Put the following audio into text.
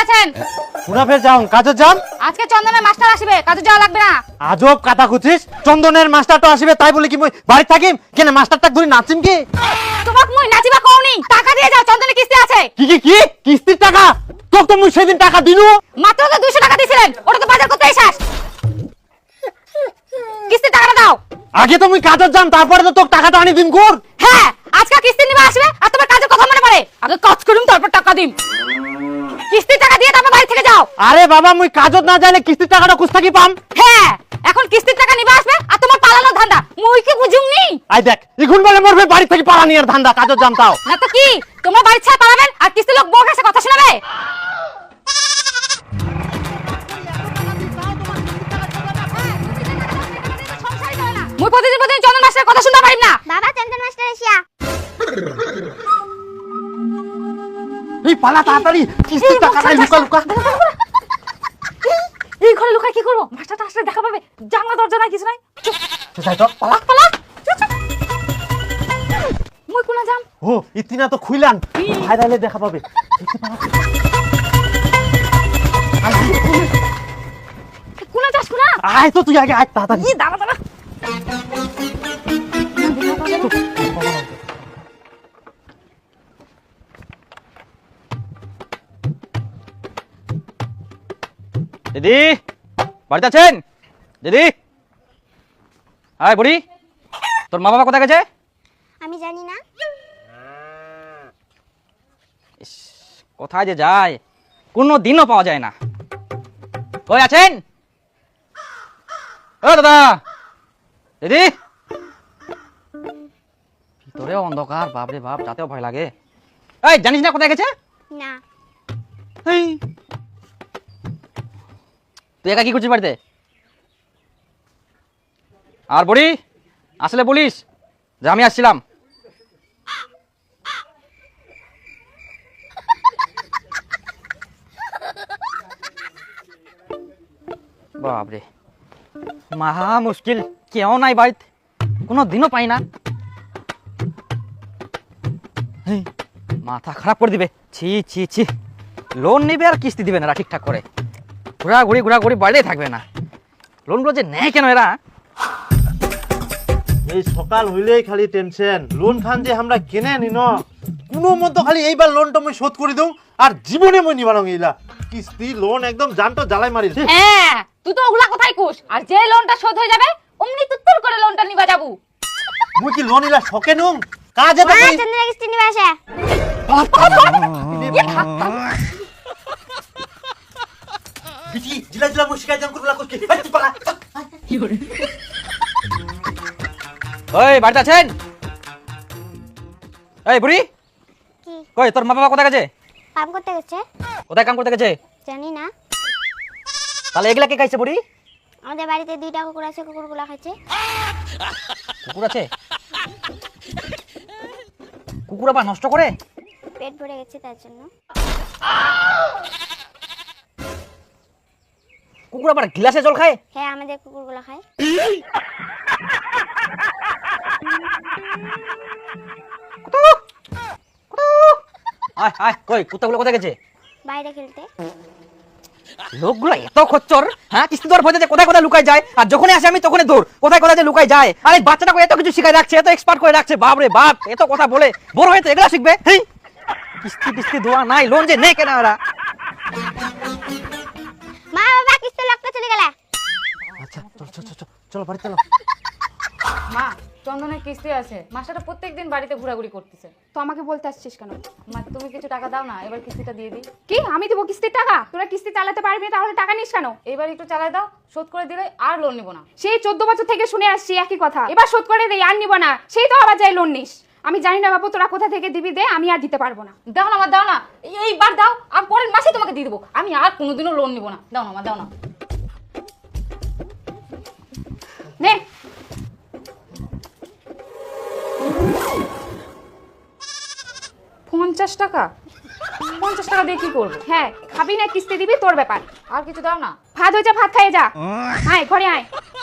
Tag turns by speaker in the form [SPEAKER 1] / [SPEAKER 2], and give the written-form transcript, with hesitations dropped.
[SPEAKER 1] আছেন?
[SPEAKER 2] পুরা ফের যাও কাজে যান।
[SPEAKER 1] আজকে চন্দনের মাস্টার আসবে, কাজে যাওয়া লাগবে না।
[SPEAKER 2] আজব কথা খুঁজিস, চন্দনের মাস্টারটা আসবে তাই বলি কি মই বাড়ি থাকিম কেন? মাস্টারটা ধরে নাচিম কি?
[SPEAKER 1] তোমাক মই নাচিবা কওনি, টাকা দিয়ে যাও, চন্দনের কিস্তি আছে।
[SPEAKER 2] কি কিস্তির টাকা? তোর তো মুই সেদিন টাকা দিনু।
[SPEAKER 1] মাত্র তো 200 টাকা দিছিলেন, ওটা তো বাজার করতে শেষ। কিস্তির টাকাটা দাও।
[SPEAKER 2] আগে তো মুই কাজে যাম, তারপরে তো তোর টাকাটা আনি দিম কোর।
[SPEAKER 1] হ্যাঁ, আজকে কিস্তি নিবা আসবে আর তোমার কাজের কথা মনে পড়ে। আগে কাজ করুম তারপর টাকা দিম। কিস্তির টাকা দিয়ে তারপর বাড়ি থেকে যাও।
[SPEAKER 2] আরে বাবা মুই কাজত না যাইলে কিস্তির টাকাটা কুছ থাকি পাম?
[SPEAKER 1] হ্যাঁ, এখন কিস্তির টাকা নিবা আসবে আর তোমার পালানোর ধান্দা। মুই কি বুঝুমনি?
[SPEAKER 2] আই দেখ ইগুন বলে মরবে বাড়ি থেকে পালা নিয়ার ধান্দা, কাজত যাম তাও
[SPEAKER 1] না তো কি, তোমরা বাড়ি ছেড়ে পালাবেন আর কিস্তি লোক বউর কাছে কথা শোনাবে? মুই প্রতিদিন চন্দন মাস্টারের কথা শুনতে পারিম না।
[SPEAKER 3] বাবা চন্দন মাস্টার এসিয়া।
[SPEAKER 2] এই পালা তাড়াতাড়ি, কিস্তির টাকাটা লুকা লুকা।
[SPEAKER 1] এই ঘরে লুকায় কি করবো? মাস্টারটা আসলে দেখা পাবে, জানলা দরজা নাই, কিছু নাই।
[SPEAKER 2] যাই তো পালা।
[SPEAKER 1] পালা। মুই কোনা যাম?
[SPEAKER 2] ও ইতিনা তো খুইলান, ভাইরালে দেখা পাবে।
[SPEAKER 1] কোনা যাস কোনা?
[SPEAKER 2] আয় তো তুই আগে আয় তাড়াতাড়ি।
[SPEAKER 1] ই দাঁড়া দাঁড়া।
[SPEAKER 4] দিদি বাড়িতে আছেন? দিদি হাই বুড়ি, তোর মা বাবা কোথায় গেছে?
[SPEAKER 3] আমি জানি না।
[SPEAKER 4] ইস, কোথায় যে যায় কোনো দিনও পাওয়া যায় না। কই আছেন? ও দাদা, দিদি। ভিতরে অন্ধকার, বাপরে বাপ, যাতেও ভয় লাগে। এই জানিস না কোথায় গেছে?
[SPEAKER 3] না।
[SPEAKER 4] এই তুই একা কি করছিস বাড়িতে? আর বুড়ি আসলে বলিস যে আমি আসছিলাম। বাপরে, মহা মুশকিল, কেউ নাই বাড়িতে, কোনো দিনও পাই না। এই, মাথা খারাপ করে দিবে। ছি ছি ছি, লোন নিবে আর কিস্তি দিবে না ঠিকঠাক করে, ঘোরাঘুরি বাড়িতেই থাকবে না। লোনগুলো যে নেয় কেন এরা?
[SPEAKER 2] এই সকাল হইলেই খালি টেনশন, লোন খান যে আমরা কেনে নিন কোনো মতো খালি এইবার লোনটা মই শোধ করে দেব আর জীবনে মই নিবানো গিলা কিস্তি লোন একদম জানটো জ্বালাই মারিল।
[SPEAKER 1] হ্যাঁ, তুই তো ওগুলা কথাই কুস, আর যে লোনটা শোধ হয়ে যাবে অমনি তুত্তুর করে লোনটা নিবা যাবো।
[SPEAKER 2] মুই কি লোন ইলা শকে নুম কাজে তো
[SPEAKER 3] মা
[SPEAKER 2] করি।
[SPEAKER 3] চন্দনের কিস্তি নিবে আসে।
[SPEAKER 2] বিটি জিলা জিলা মুই শিকায় জাম করলা কইকে এই তুই পালা।
[SPEAKER 4] ওই বাড়িতে আছেন? এই বুড়ি
[SPEAKER 3] কি?
[SPEAKER 4] কই তোর মা বাবা কোথায় গেছে?
[SPEAKER 3] কাম করতে গেছে?
[SPEAKER 4] কোথায় কাম করতে গেছে?
[SPEAKER 3] জানি না।
[SPEAKER 4] তাহলে এগুলা কে খাইছে বুড়ি?
[SPEAKER 3] আমাদের বাড়িতে 2টা কুকুর আছে, কুকুরগুলা খাচ্ছে।
[SPEAKER 4] কুকুর আছে? কুকুর আবার নষ্ট করে?
[SPEAKER 3] পেট ভরে গেছে তার জন্য।
[SPEAKER 4] কুকুর আবার গ্লাসে জল খায়?
[SPEAKER 3] হ্যাঁ, আমাদের কুকুরগুলা খায়।
[SPEAKER 4] আয় আয়, কই কুত্তাগুলো কোথায় গেছে?
[SPEAKER 3] বাইরে খেলতে।
[SPEAKER 4] লোকগুলো এত খচ্চর, হ্যাঁ? কিস্তি দেওয়ার ভয়তে যে কোথায় কোথায় লুকায় যায়, আর যখনই আসে আমি তখনই দৌড়, কোথায় কোথায় যে লুকায় যায়। আর এই বাচ্চাটাকে এত কিছু শিখায় রাখছে, এত এক্সপার্ট করে রাখছে, বাপ রে বাপ, এত কথা বলে বড় হয়ে তো এগুলা শিখবে। হেই, কিস্তি টিস্তি দেওয়া নাই, লোন যে নেই কেন এরা?
[SPEAKER 3] মা বাবা কিস্তি লক্ষ্য চলে গেলে।
[SPEAKER 2] আচ্ছা চল চল চল চল বাড়ি চলো।
[SPEAKER 1] মা, চন্দনের কিস্তি আছে, মাস্টারটা প্রত্যেকদিন বাড়িতে ঘোরাঘুরি করতেছে।
[SPEAKER 5] তো আমাকে বলতে আসছিস কেন?
[SPEAKER 1] মা তুমি কিছু টাকা দাও না, এবার কিস্তিটা দিয়ে দিই।
[SPEAKER 5] কি আমি দেবো কিস্তির টাকা? তোরা কিস্তি চালাতে পারবি, তাহলে টাকা নিস কেন?
[SPEAKER 1] এবার একটু চালাই দাও, শোধ করে দিলে আর লোন নিব না।
[SPEAKER 5] সেই 14 বছর থেকে শুনে আসছি একই কথা, এবার শোধ করে দেই, আর নিব না। সেই তো আবার যাই লোন নিস। আমি জানি না বাবু তোরা কোথা থেকে দিবি, দে, আমি আর দিতে পারবো না।
[SPEAKER 1] দাও না আমার, দাও না, এইবার দাও, আর পরের মাসে তোমাকে দিয়ে দেবো। আমি আর কোনোদিনও লোন নিব না। দাও না আমার, দাও না।
[SPEAKER 5] নে।
[SPEAKER 1] টাকা 50 টাকা দিয়ে কি করবো?
[SPEAKER 5] হ্যাঁ, খাবি না কিস্তি দিবি, তোর ব্যাপার।
[SPEAKER 1] আর কিছু দাও না।
[SPEAKER 5] ভাত হয়েছে, ভাত খাইয়ে যা। আয় ঘরে আয়।